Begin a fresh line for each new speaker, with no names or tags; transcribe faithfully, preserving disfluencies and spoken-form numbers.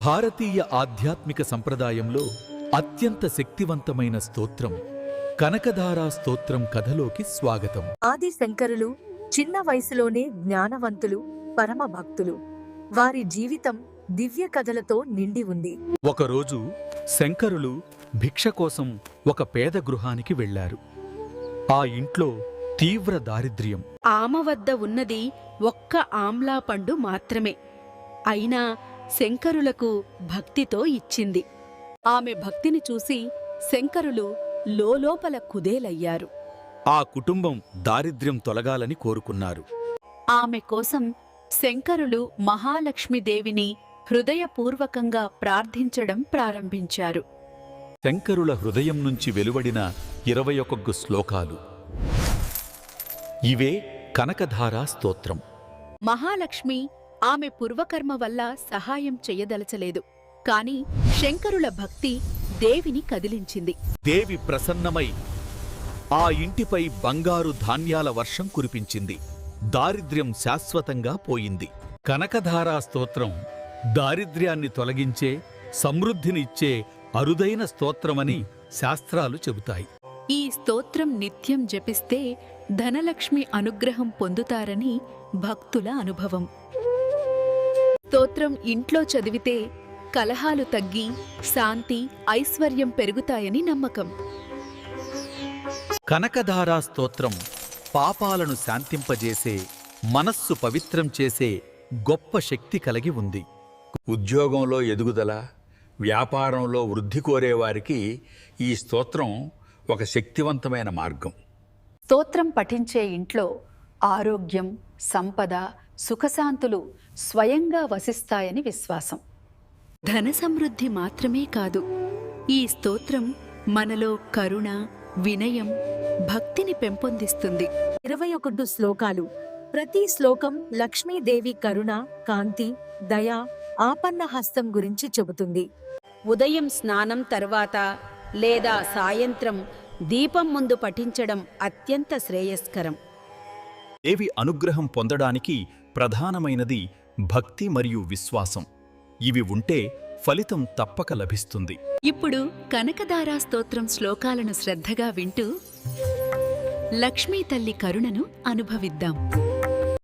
భారతీయ ఆధ్యాత్మిక సంప్రదాయంలో అత్యంత శక్తివంతమైన స్తోత్రం కనకధారా స్తోత్రం కథలోకి స్వాగతం.
ఆది శంకరులు చిన్న వయసులోనే జ్ఞానవంతులు, పరమ భక్తులు. వారి జీవితం దివ్య కథలతో నిండి ఉంది.
ఒకరోజు శంకరులు భిక్ష కోసం ఒక పేద గృహానికి వెళ్లారు. ఆ ఇంట్లో తీవ్ర దారిద్ర్యం.
ఆమె వద్ద ఉన్నది ఒక్క ఆమ్లా పండు మాత్రమే. అయినా శంకరులకు భక్తితో ఇచ్చింది. ఆమె భక్తిని చూసి శంకరులు లోలోపల కుదేలయ్యారు.
ఆ కుటుంబం దారిద్ర్యం తొలగాలని కోరుకున్నారు.
ఆమె కోసం శంకరులు మహాలక్ష్మీదేవిని హృదయపూర్వకంగా ప్రార్థించడం ప్రారంభించారు.
శంకరుల హృదయం నుంచి వెలువడిన ఇరవై ఒక్క శ్లోకాలు ఇవే కనకధారా స్తోత్రం.
మహాలక్ష్మి ఆమె పూర్వకర్మ వల్ల సహాయం చెయ్యదలచలేదు. కాని శంకరుల భక్తి దేవిని కదిలించింది.
దేవి ప్రసన్నమై ఆ ఇంటిపై బంగారు ధాన్యాల వర్షం కురిపించింది. దారిద్ర్యం శాశ్వతంగా పోయింది. కనకధారా స్తోత్రం దారిద్ర్యాన్ని తొలగించే, సమృద్ధిని ఇచ్చే అరుదైన స్తోత్రమని శాస్త్రాలు చెబుతాయి.
ఈ స్తోత్రం నిత్యం జపిస్తే ధనలక్ష్మి అనుగ్రహం పొందుతారని భక్తుల అనుభవం. స్తోత్రం ఇంట్లో చదివితే కలహాలు తగ్గి శాంతి, ఐశ్వర్యం పెరుగుతాయని నమ్మకం.
కనకధారా స్తోత్రం పాపాలను శాంతింపజేసే, మనస్సు పవిత్రం చేసే గొప్ప శక్తి కలిగి ఉంది.
ఉద్యోగంలో ఎదుగుదల, వ్యాపారంలో వృద్ధి కోరేవారికి ఈ స్తోత్రం ఒక శక్తివంతమైన మార్గం.
స్తోత్రం పఠించే ఇంట్లో ఆరోగ్యం, సంపద, సుఖశాంతులు స్వయంగా వసిస్తాయని విశ్వాసం. ధన సమృద్ధి మాత్రమే కాదు, ఈ స్తోత్రం మనలో కరుణ, వినయం, భక్తిని పెంపొందిస్తుంది.
ఇరవై ఒకటి శ్లోకాలు. ప్రతి శ్లోకం లక్ష్మీదేవి కరుణ, కాంతి, దయ, ఆపన్న హస్తం గురించి చెబుతుంది.
ఉదయం స్నానం తర్వాత లేదా సాయంత్రం దీపం ముందు పఠించడం అత్యంత శ్రేయస్కరం.
దేవి అనుగ్రహం పొందడానికి ప్రధానమైనది భక్తి మరియు విశ్వాసం. ఇవి ఉంటే ఫలితం తప్పక లభిస్తుంది.
ఇప్పుడు కనకధారా స్తోత్రం శ్లోకాలను శ్రద్ధగా వింటూ లక్ష్మీ తల్లి కరుణను అనుభవిద్దాం.